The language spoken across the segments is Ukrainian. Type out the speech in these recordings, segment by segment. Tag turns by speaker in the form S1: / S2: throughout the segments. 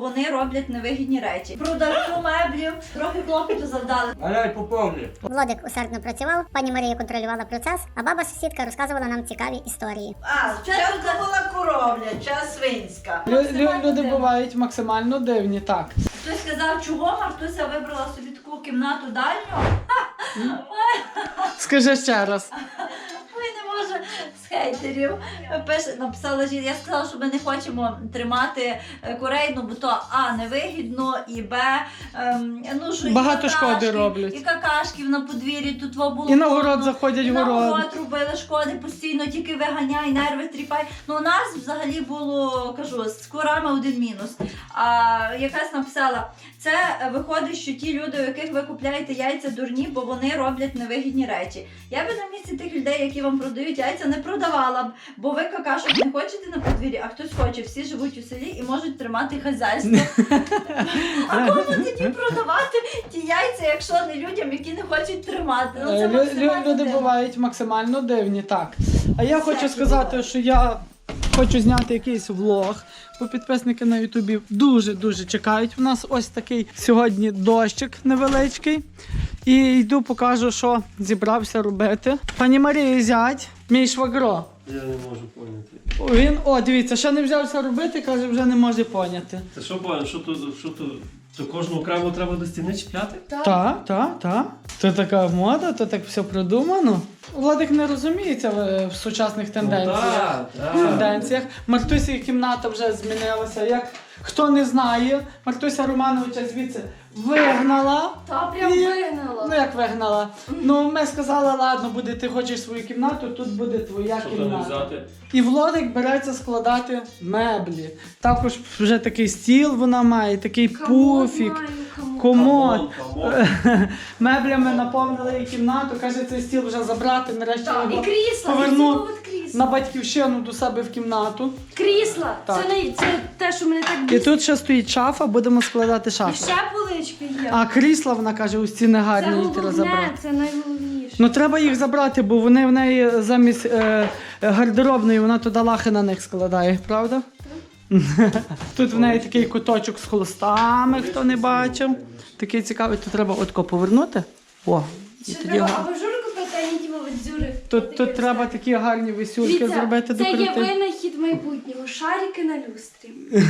S1: вони роблять невигідні речі. Продавцю меблів трохи клопоту завдали.
S2: Але поповні.
S3: Владик усердно працював, пані Марія контролювала процес, а баба-сусідка розказувала нам цікаві історії.
S4: Спочатку була коровля, час свинська.
S5: Люди бувають максимально дивні, так.
S1: Хтось сказав, чого Мартуся вибрала собі таку кімнату дальню?
S5: Скажи ще раз.
S1: Ой, не можу з хейтерів. Написала жінка, я сказала, що ми не хочемо тримати курей, ну бо то А, невигідно, і Б, ну що
S5: Багато
S1: і
S5: шкоди роблять.
S1: І какашків на подвір'ї, тут було
S5: І на город заходять
S1: і
S5: в
S1: на
S5: город.
S1: город робили шкоди постійно, тільки виганяй, нерви тріпай. Ну у нас взагалі було, кажу, з курами один мінус. А якась написала, це виходить, що ті люди, у яких ви купляєте яйця, дурні, бо вони роблять невигідні речі. Я би на місці тих людей, які вам продають яйця, не продавала б, бо ви какашок не хочете на подвір'ї, а хтось хоче. Всі живуть у селі і можуть тримати хазяйство. А кому тоді продавати ті яйця, якщо не людям, які не хочуть тримати? Ну, це максимально
S5: Люди
S1: дивно.
S5: бувають максимально дивні, так. А я хочу сказати, що я хочу зняти якийсь влог, бо підписники на Ютубі дуже чекають. У нас ось такий сьогодні дощик невеличкий. І йду покажу, що зібрався робити. Пані Марії зять, мій швагро.
S2: Я не можу поняти.
S5: Він, дивіться, ще не взявся робити, каже, вже не може поняти.
S2: Це що поняти? Що тут? То кожну окремо треба до стіни чіпляти?
S5: Так. То така мода, то так все продумано. Владик не розуміється в сучасних тенденціях. Тенденціях. Мартусі кімната вже змінилася. Як хто не знає, Мартуся Романовича звідси вигнала.
S6: Та прям вигнала.
S5: Ну як вигнала? Ну ми сказали, ладно, буде, ти хочеш свою кімнату, тут буде твоя
S2: Що то не
S5: кімната.
S2: взяти?
S5: І Владик береться складати меблі. Також вже такий стіл вона має, такий пуфік. Комод. Меблями наповнили її кімнату. Каже, цей стіл вже забрати, нарешті
S6: Так, і
S5: його
S6: крісла,
S5: поверну
S6: крісла.
S5: на батьківщину до себе в кімнату.
S6: Крісла.
S5: Так.
S6: Це те, що мене так
S5: І
S6: бісить.
S5: тут ще стоїть шафа, будемо складати
S6: І
S5: шафу.
S6: ще полички є.
S5: А крісла, вона каже, у стіни
S6: Це
S5: гарні, їх треба забрати.
S6: головне, це найголовніше.
S5: Ну треба їх забрати, бо вони в неї замість гардеробної, вона туди лахи на них складає, правда? Тут в неї такий куточок з холстами, хто не бачив. Такий цікавий, тут треба отко повернути. О, і
S6: Ще
S5: тоді
S6: треба
S5: гарно.
S6: абажур купити, а не ті дзюри.
S5: Тут треба такі гарні висюльки зробити
S6: це є
S5: декоративні.
S6: винахід майбутнього. Шарики на люстрі.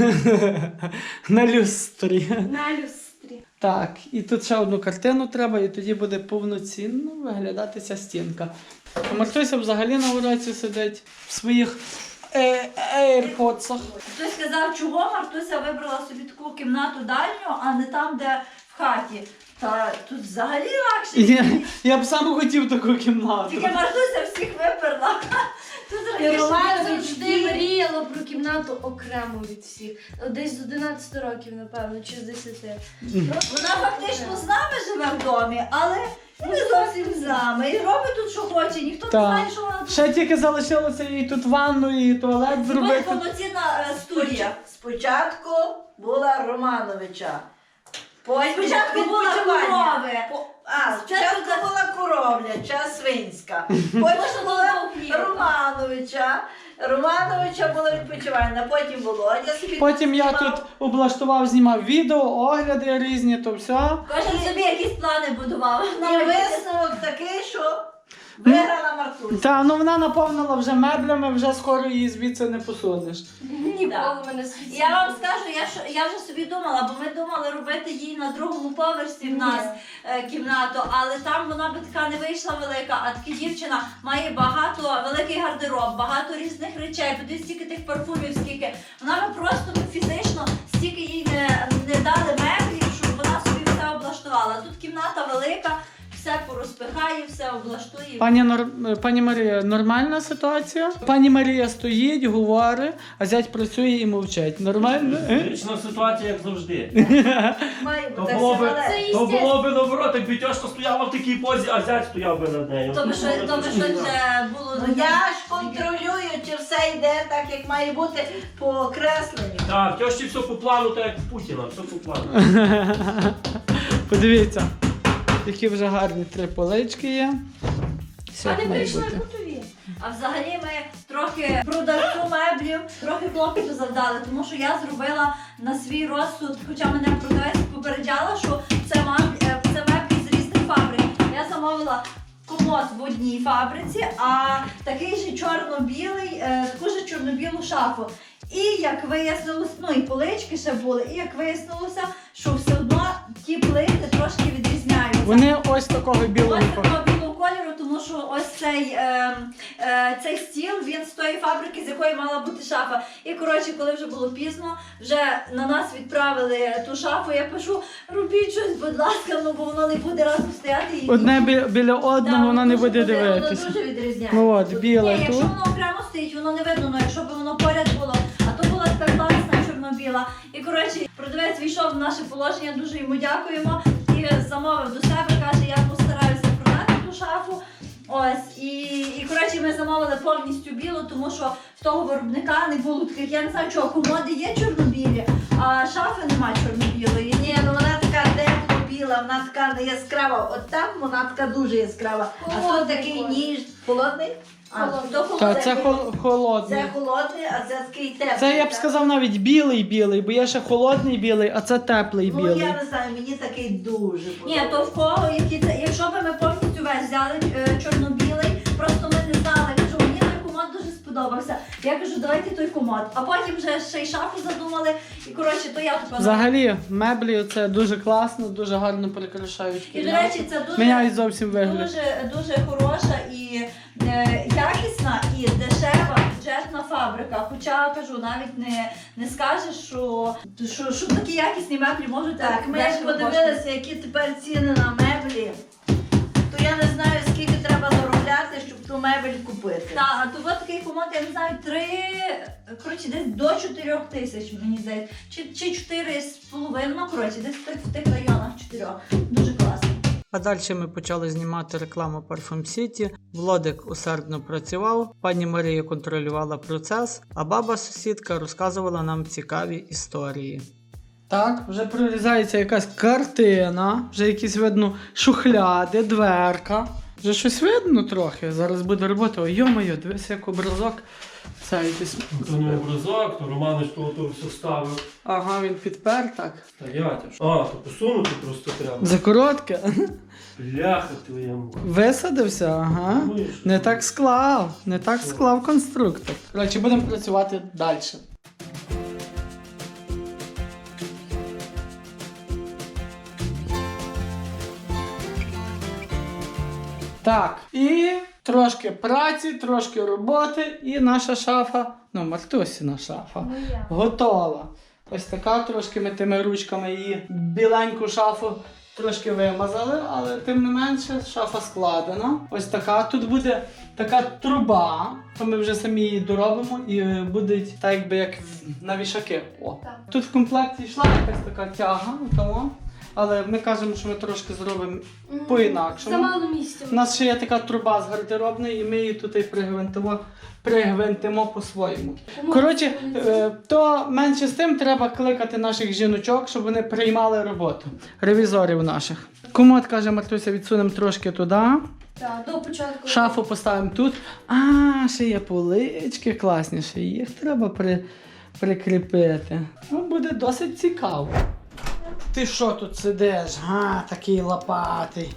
S5: На люстрі.
S6: На люстрі.
S5: Так, і тут ще одну картину треба, і тоді буде повноцінно виглядати ця стінка. А Мартуся взагалі на уроці сидить в своїх AirPods'ах.
S1: Хтось сказав, чого Мартуся вибрала собі таку кімнату дальню, а не там, де в хаті. Та тут взагалі легше.
S5: Я б сам хотів таку кімнату.
S1: Тільки Мартуся всіх виперла. Тут
S6: І
S1: раніше
S6: Романа
S1: не
S6: завжди
S1: завжди.
S6: мріяла про кімнату окремо від всіх. Десь з 11 років, напевно, чи з 10.
S1: Вона фактично з нами живе в домі, але не зовсім з нами. І робить тут, що хоче, ніхто не
S5: Так.
S1: знає, що вона тут.
S5: Ще тільки залишилося їй тут ванну і туалет
S1: Буде
S5: зробити.
S1: повноцінна студія.
S4: Спочатку була Романовича. Потім
S1: Спочатку була
S4: відпочивання.
S1: корови.
S4: Спочатку була коровля, час свинська. Потім була Романовича була відпочивання, потім Володя собі.
S5: Потім я
S4: знімав.
S5: тут облаштував, знімав відео, огляди різні, то все.
S1: Кожен собі якісь плани будував.
S4: І висновок такий, що виграла Мартуся.
S5: Та, ну вона наповнила вже меблями, вже скоро її звідси не посунеш.
S6: Ніколи мене світ.
S1: Я вам скажу, я вже собі думала, бо ми думали робити їй на другому поверсі в нас кімнату, але там вона би така не вийшла велика, а така дівчина має великий гардероб, багато різних речей, подивіться, стільки тих парфумів, скільки. Вона би просто фізично стільки їй не дали меблів, щоб вона собі все облаштувала. Тут кімната велика, все порозпихає, все облаштує.
S5: Пані Марія, нормальна ситуація? Пані Марія стоїть, говорить, а зять працює і мовчить. Нормально?
S2: Вічна ситуація, як завжди.
S4: Має
S2: То
S4: бути
S2: було би,
S4: все.
S2: то було би наоборот, якби тьошка стояла в такій позі, а зять стояв би над нею.
S1: То би щось було.
S4: Ну я ж контролюю, чи все йде так, як має бути по окресленню.
S2: Так, в тьошці все по плану, так як в Путіна, все по плану.
S5: Подивіться, які вже гарні 3 полички є. Все
S6: А
S5: як
S6: не
S5: має
S6: прийшли
S5: бути.
S6: готові.
S1: А взагалі ми трохи продавцю меблів, трохи клопоту завдали, тому що я зробила на свій розсуд, хоча мене продавець попереджала, що це меблі з різних фабрик. Я замовила комод в одній фабриці, а такий же чорно-білий, таку ж чорно-білу шафу. І як вияснилося, ну і полички ще були, і як вияснилося, що все одно ті плити трошки відрізняються.
S5: Вони ось такого білого.
S1: Ось такого білого кольору, тому що ось цей стіл, він з тої фабрики, з якої мала бути шафа. І коротше, коли вже було пізно, вже на нас відправили ту шафу, я пишу, робіть щось, будь ласка, ну бо воно не буде разом стояти. І
S5: Одне біля одного, воно не буде
S1: Воно
S5: дивитися.
S1: дуже відрізняється.
S5: Ну от, біле
S1: Ні,
S5: тут.
S1: якщо воно окремо стоїть, воно не видно, ну якщо б воно поряд було. А то була така класна чорно-біла. І коротше, продавець війшов в наше положення, дуже йому дякуємо. І замовив до себе, каже, я постараюся продати ту шафу. Ось, і коротше, ми замовили повністю білу, тому що в того виробника не було таких, я не знаю чого, комоди є чорно-білі, а шафи нема чорно-білої.
S4: Ні, ну вона така тепло-біла, вона така не яскрава. От там вона така дуже яскрава. А то
S6: Холодний
S4: такий
S6: колір.
S4: ніж. Холодний?
S6: Холодний.
S1: То
S5: Та
S1: холодний.
S5: це холодний.
S4: Це холодний, а це такий теплий.
S5: Це я б
S4: так?
S5: сказав навіть білий, бо є ще холодний білий, а це теплий
S4: Ну
S5: білий.
S4: я не знаю, мені такий дуже
S1: Ні,
S4: подобається.
S1: то в кого, якщо б ми повністю весь взяли чорно-білий, просто ми не знали, кажу, мені той комод дуже сподобався. Я кажу, давайте той комод. А потім вже ще й шафу задумали, і коротше, то я тупо...
S5: Взагалі, меблі це дуже класно, дуже гарно прикрашають
S1: І, до
S5: кімнату.
S1: речі, це дуже...
S5: Міняють зовсім вигляд.
S1: Дуже хороша і якісна і дешева бюджетна фабрика. Хоча кажу, навіть не скажеш, що такі якісні меблі можуть
S4: Так, ми як
S1: дешево
S4: подивилися, які тепер ціни на меблі, то я не знаю, скільки треба заробляти, щоб ту мебель купити.
S1: Так, а то от такий комод, я не знаю, коротше, десь до 4 тисяч, мені здається. Чи 4,5, ну, коротше, десь в тих районах 4. Дуже класно.
S5: А далі ми почали знімати рекламу Parfum City. Владик усердно працював, пані Марія контролювала процес, а баба-сусідка розказувала нам цікаві історії. Так, вже прорізається якась картина, вже якісь видно шухляди, дверка. Вже щось видно трохи. Зараз буде робота. Ой, йо-моє, дивись, як образок. Це якийсь...
S2: То не образок, то Романич то все ставив.
S5: Ага, він підпер так.
S2: Та я тяж. А, то посунути просто треба.
S5: Закоротке.
S2: Бляха твоєму.
S5: Висадився, ага. Не так склав конструктор. Коротше, будемо працювати далі. Так, і трошки праці, трошки роботи, і наша шафа, ну, Мартусіна шафа,
S6: Моя.
S5: готова. Ось така, трошки ми тими ручками її біленьку шафу трошки вимазали, але тим не менше шафа складена. Ось така. Тут буде така труба, то ми вже самі її доробимо і буде так якби як на вішаки. О.
S6: Так.
S5: Тут в комплекті йшла якась така тяга, тому, але ми кажемо, що ми трошки зробимо по-інакшому.
S6: Замало місця.
S5: У нас ще є така труба з гардеробної, і ми її тут і пригвинтимо по-своєму. Коротше, то менше з тим треба кликати наших жіночок, щоб вони приймали роботу. Ревізорів наших. Комод, каже Мартуся, відсунемо трошки туди.
S6: Так, до початку.
S5: Шафу поставимо тут. А, ще є полички класні, ще їх треба прикріпити. Ну, буде досить цікаво. Ти що тут сидиш? Такий лопатий.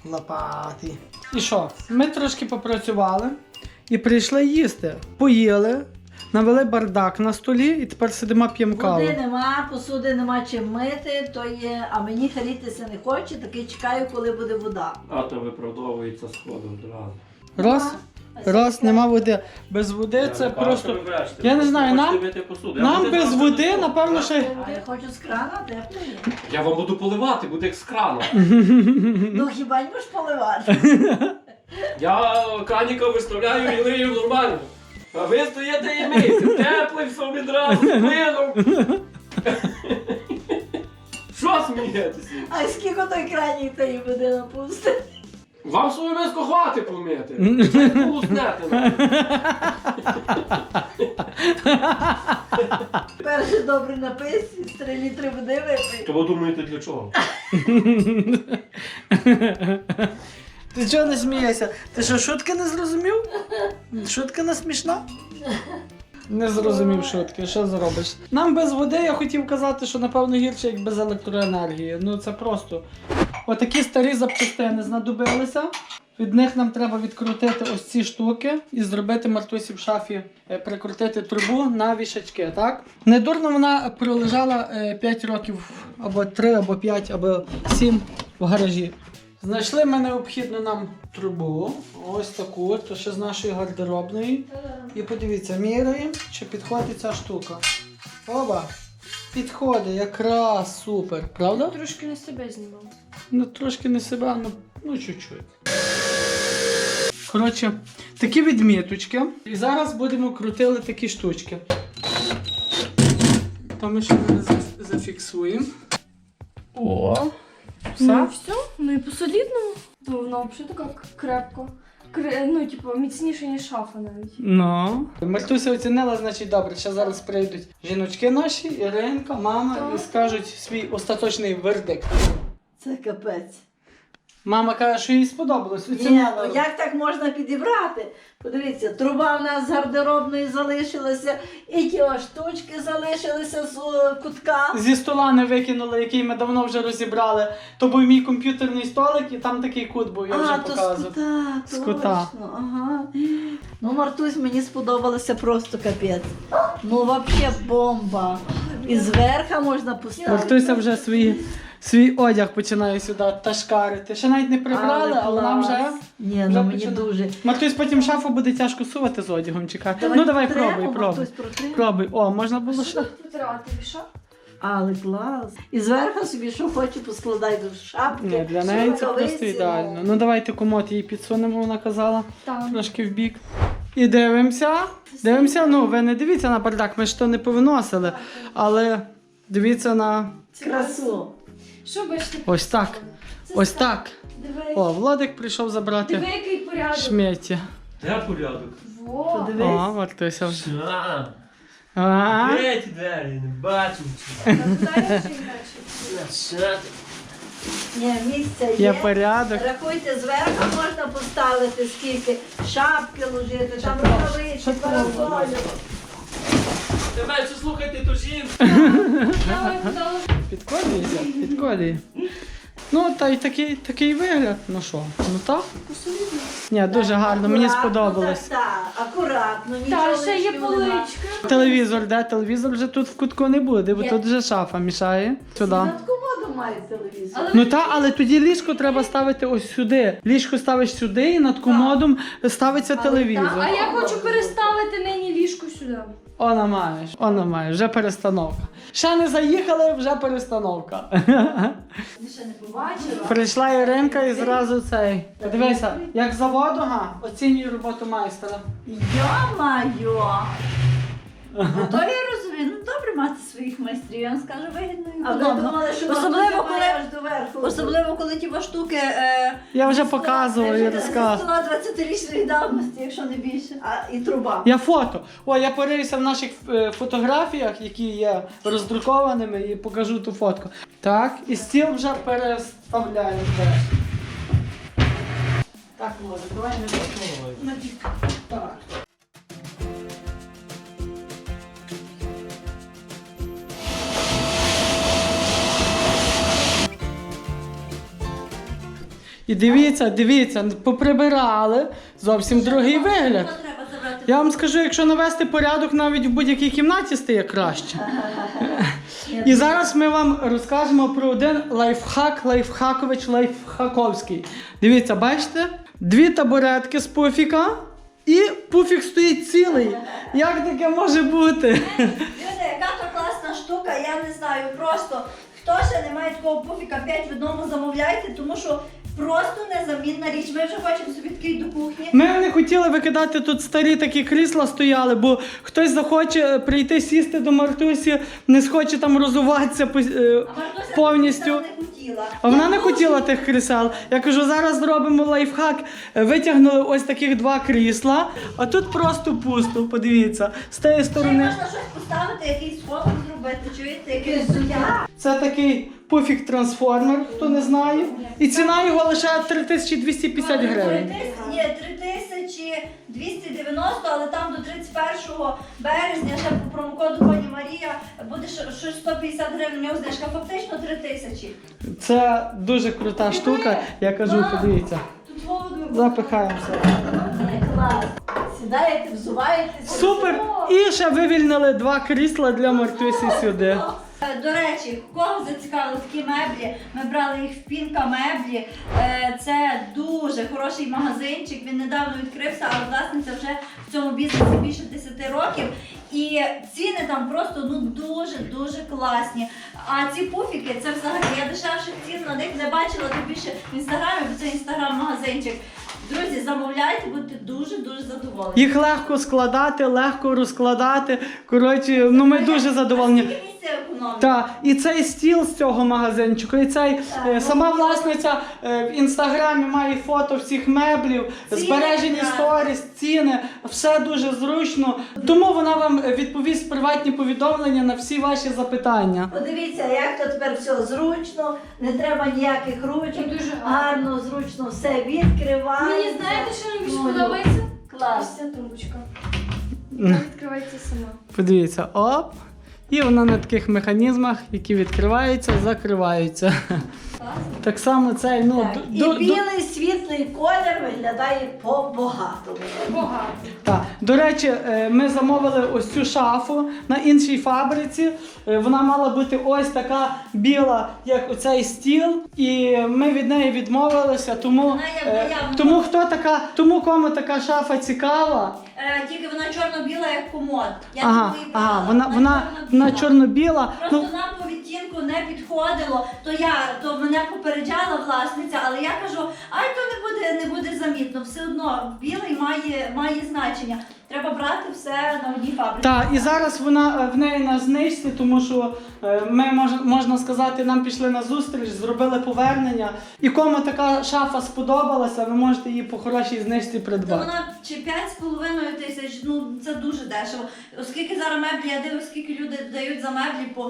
S5: І що? Ми трошки попрацювали і прийшли їсти. Поїли, навели бардак на столі і тепер сидимо п'ємо каву.
S4: Води нема, посуди нема чим мити, то є, а мені харітися не хоче, таки чекаю, коли буде вода.
S2: А то виправдовується сходом одразу.
S5: Раз, нема води. Без води це просто... Я не знаю, нам без води, напевно, ще...
S4: А я хочу з крана, тепло є.
S2: Я вам буду поливати, буде як з крану.
S4: Ну хіба не можеш поливати?
S2: Я краніка виставляю і лию нормально. А ви стоїте і миєте. Теплий все відразу, з плином. Що смієтеся?
S4: А скільки той кранік тої води напустить?
S2: Вам свою миску хвати помити. Це полуснете.
S4: Перший добрий напис, із 3 літри води випий.
S2: То ви думаєте для чого?
S5: Ти чого не смієшся? Ти що, шутки не зрозумів? Шутка не смішна? Не зрозумів шутки, що зробиш? Нам без води, я хотів казати, що напевно гірше, як без електроенергії. Ну це просто. Отакі старі запчастини знадобилися. Від них нам треба відкрутити ось ці штуки і зробити Мартусі в шафі, прикрутити трубу на вішачки, так? Недурно вона пролежала 5 років, або 3, або 5, або 7 в гаражі. Знайшли ми необхідну нам трубу, ось таку, то ще з нашої гардеробної. І подивіться, міряємо, чи підходить ця штука. Оба! Підходить, якраз супер, правда?
S6: Трошки на себе знімав.
S5: Ну трошки не себе, ну чуть-чуть. Коротше, такі відміточки. І зараз будемо крутили такі штучки. То ми ще не зафіксуємо. О!
S6: Ну
S5: Все?
S6: все, ну і по-солідному. Ну, вона взагалі така крепко. Ну, типу, міцніше, ніж шафа навіть.
S5: Ну. Мартуся оцінила, значить добре. Ще зараз прийдуть жіночки наші, Іринка, мама, і скажуть свій остаточний вердикт.
S4: Це капець.
S5: Мама каже, що їй сподобалось.
S4: Ні,
S5: Оцінила.
S4: ну як так можна підібрати? Подивіться, труба в нас з гардеробної залишилася, і ті ось штучки залишилися з кутка.
S5: Зі стола не викинули, який ми давно вже розібрали. То був мій комп'ютерний столик, і там такий кут був, я вже
S4: то
S5: показував.
S4: з кута,
S5: З кута.
S4: точно, ага. Ну, Мартусь, мені сподобалося просто капець. Ну, взагалі бомба. І зверху можна поставити.
S5: Мартуся вже свій одяг починає сюди ташкарити. Ще навіть не прибрали, але нам вже...
S4: Ні,
S5: вже
S4: ну мені
S5: починає.
S4: дуже.
S5: Мартусь потім шафу буде тяжко сувати з одягом, чекати.
S4: Давай
S5: Ну давай
S4: протремо,
S5: пробуй.
S4: Мартусь, протремо.
S5: Пробуй. О, можна було
S6: Що
S5: ще.
S6: тут протирати, віша?
S4: Але клас. І зверху собі, що хочу, поскладай до шапки.
S5: Ні, для неї це
S4: рукавиці,
S5: просто ідеально. Ну давайте комод її підсунемо, вона казала.
S6: Так.
S5: Трошки в бік. І дивимося. Дивимося, ну ви не дивіться на бардак, ми ж то не повиносили. Але дивіться на...
S4: Красу.
S6: Що бачите?
S5: Ось так.
S6: Це
S5: Ось
S6: так.
S5: так.
S6: Диви,
S5: О, Владик прийшов забрати
S6: диви, який порядок.
S5: шметі.
S2: Де порядок?
S6: Во.
S4: Подивись.
S5: О, Мартуся вже.
S2: А,
S5: А?
S2: де ті двері? Не бачу.
S6: Та туди я ще й бачу.
S4: Ні, місця
S5: Є
S4: є.
S5: порядок.
S4: Рахуйте, зверху можна поставити скільки, шапки ложити, там рукавички, парасолі.
S2: Тебе що слухайте, то жінка.
S6: Давай, подали.
S5: Підколюється? Підколює. Ну, та й такий вигляд. Ну що, ну так?
S6: Посолідно.
S5: Ні, дуже гарно, мені
S4: Акуратно,
S5: сподобалось.
S4: Так, акуратно, нічого
S6: Та, ще є
S4: лишнього нема.
S6: поличка.
S5: Телевізор, де? Телевізор вже тут в кутку не буде, бо
S4: Є.
S5: тут вже шафа мішає. Сюди.
S4: Над комодом має телевізор.
S6: Але
S5: Ну так, але тоді ліжко треба ставити ось сюди. Ліжко ставиш сюди і над комодом ставиться телевізор.
S6: А я хочу переставити нині ліжко сюди.
S5: Она маєш, вже перестановка. Ще не заїхали, вже перестановка.
S6: Ти ще не побачила?
S5: Прийшла Іринка і зразу цей. Подивися, як заводу, оцінюю роботу майстра.
S1: Йо-майо! Ну, то я розумію, ну добре мати своїх майстрів, я вам скажу вигідно і
S4: А ви
S1: удобно.
S4: думали, що
S1: Особливо,
S4: Мартуся
S1: коли-
S4: має аж до верху.
S1: Особливо, коли ті штуки
S5: Я вже показував і
S1: зі
S5: розказував.
S1: стола 20-річної давності, якщо не більше.
S4: І труба.
S5: Я фото. О, я порився в наших фотографіях, які є роздрукованими, і покажу ту фотку. Так, і стіл вже переставляємо. Так, може, давай не так. І дивіться, поприбирали. Зовсім другий вигляд.
S1: Що треба забрати?
S5: Я вам скажу, якщо навести порядок, навіть в будь-якій кімнаті стає краще. І зараз ми вам розкажемо про один лайфхакович лайфхаковський. Дивіться, бачите? 2 табуретки з пуфіка і пуфік стоїть цілий. Як таке може бути?
S1: Люди, яка то класна штука, я не знаю, просто хто ще не має такого пуфіка 5 в одному, замовляйте, тому що просто незамінна річ. Ми вже хочемо собі такий до кухні.
S5: Ми не хотіли викидати тут старі такі крісла стояли, бо хтось захоче прийти сісти до Мартусі, не схоче там розуватися
S1: А Мартуся
S5: повністю.
S1: не хотіла.
S5: А вона не хотіла тих крісел. Я кажу, зараз зробимо лайфхак. Витягнули ось таких 2 крісла, а тут просто пусто, подивіться. З тієї
S1: Ще
S5: сторони.
S1: можна щось поставити, якийсь сховок зробити, чуєте, якийсь взуття.
S5: Це такий пуфік трансформер, хто не знає. І ціна його лише 3250 гривень.
S1: Ні, 3290, але там до 31 березня ще по промокоду пані Марія буде щось 150 гривень, у нього знижка, фактично 3000.
S5: Це дуже крута штука, я кажу, подивіться.
S1: Тут холодно.
S5: Запихаємося.
S4: Клас. Сідаєте, взуваєтеся.
S5: Супер! І ще вивільнили 2 крісла для Мартусі сюди.
S1: До речі, кого зацікавили такі меблі, ми брали їх в Пінка меблі. Це дуже хороший магазинчик, він недавно відкрився, але власниця вже в цьому бізнесі більше 10 років. І ціни там просто дуже класні. А ці пуфіки, це взагалі, я дешевших цін на них не бачила, тим більше в інстаграмі, бо це інстаграм-магазинчик. Друзі, замовляйте, будете дуже задоволені.
S5: Їх легко складати, легко розкладати. Коротше, ну ми дуже задоволені.
S1: Скільки місця економить?
S5: Так, і цей стіл з цього магазинчику, і цей сама власниця в інстаграмі має фото всіх меблів,
S1: Ціни,
S5: збережені
S1: так.
S5: сторіс, ціни, все дуже зручно. Тому вона вам відповість приватні повідомлення на всі ваші запитання.
S4: Подивіться, як то тепер все зручно, не треба ніяких ручок,
S6: Дуже
S4: гарно, зручно все відкривається.
S6: Мені знаєте, що мені більше
S4: Ну,
S6: подобається?
S4: Клас.
S6: Ось ця тумбочка. Вона відкривається сама.
S5: Подивіться, оп. І вона на таких механізмах, які відкриваються, закриваються. Так само цей, ну,
S4: Так. І білий світлий колір виглядає по-багатому.
S6: Багато.
S5: Так. До речі, ми замовили ось цю шафу на іншій фабриці. Вона мала бути ось така біла, як оцей стіл. І ми від неї відмовилися, тому,
S1: Вона є наявна.
S5: тому кому така шафа цікава.
S1: Тільки вона чорно-біла, як комод. Я тому і брала.
S5: Вона чорно-біла.
S1: Просто нам по відтінку не підходило, то мене попереджала власниця, але я кажу, ай, то не буде замітно, все одно білий має значення. Треба брати все на одній фабриці.
S5: Так, і зараз вона в неї на знижці, тому що ми, можна сказати, нам пішли на зустріч, зробили повернення. І кому така шафа сподобалася, ви можете її по хорошій знижці
S1: То
S5: придбати.
S1: вона чи 5,5 тисяч, ну це дуже дешево. Оскільки зараз меблі, я дивлюсь, скільки люди дають за меблі по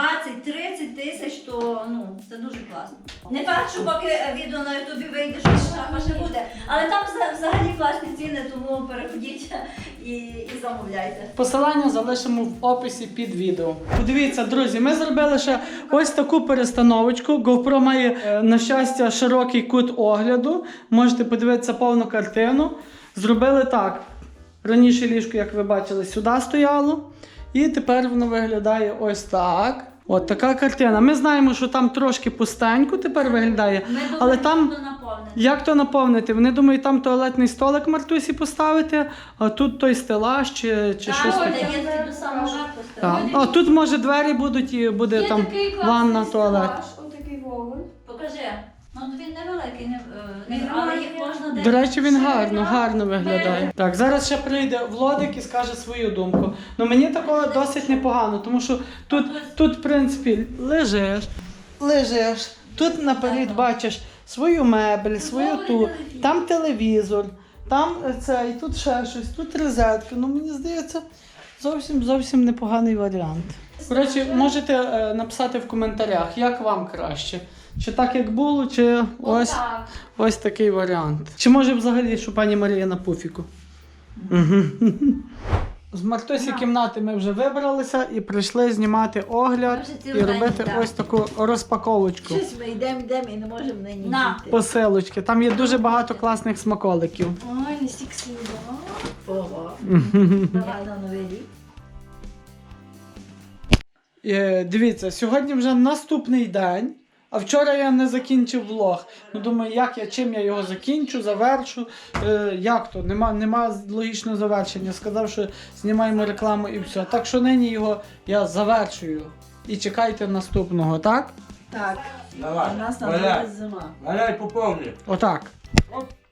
S1: 20-30 тисяч, то ну це дуже класно. Не факт, що поки відео на ютубі вийде, що шафа ще буде, але там взагалі класні ціни, тому переходіть і замовляйте.
S5: Посилання залишимо в описі під відео. Подивіться, друзі, ми зробили ще ось таку перестановочку. GoPro має, на щастя, широкий кут огляду. Можете подивитися повну картину. Зробили так. Раніше ліжко, як ви бачили, сюди стояло. І тепер воно виглядає ось так. От така картина. Ми знаємо, що там трошки пустенько тепер виглядає. Але там...
S1: наповнено.
S5: Як то наповнити? Вони думають, там туалетний столик Мартусі поставити, а тут той стелаж чи щось
S1: Так,
S5: таке.
S1: є до самого
S5: Так. А тут може двері будуть і буде
S6: Є
S5: там
S6: такий класний
S5: ванна, туалет.
S6: стелаж, отакий вогонь.
S1: Покажи. Ну він невеликий, але їх можна
S5: До речі, він
S1: ще
S5: гарно виглядає. Так, зараз ще прийде Владик і скаже свою думку. Ну мені такого досить непогано, тому що тут в принципі, лежиш, тут наперед бачиш свою мебель, свою ту, там телевізор, там це, і тут ще щось, тут розетка. Ну мені здається, зовсім непоганий варіант. Коротше, можете написати в коментарях, як вам краще. Чи так, як було, чи ось такий варіант. Чи може взагалі, що пані Марія на пуфіку? З Мартусі кімнати ми вже вибралися і прийшли знімати огляд
S4: Ми вже
S5: і
S4: цілий день
S5: робити
S4: йдемо.
S5: ось таку розпаковочку.
S4: Щось ми йдемо і не можемо нині
S1: На.
S4: дійти.
S5: Посилочки. Там є дуже багато класних смаколиків.
S6: Ой, не стільки слів.
S4: Ого. Давай на новий рік.
S5: Дивіться, сьогодні вже наступний день, а вчора я не закінчив влог. Ну думаю, чим я його закінчу, завершу. Як то? Нема логічного завершення. Сказав, що знімаємо рекламу і все. Так що нині його я завершую. І чекайте наступного, так?
S4: Так.
S7: Давай,
S4: У нас
S7: валяй.
S4: на зима.
S7: Валяй по повній.
S5: Отак.
S7: Оп.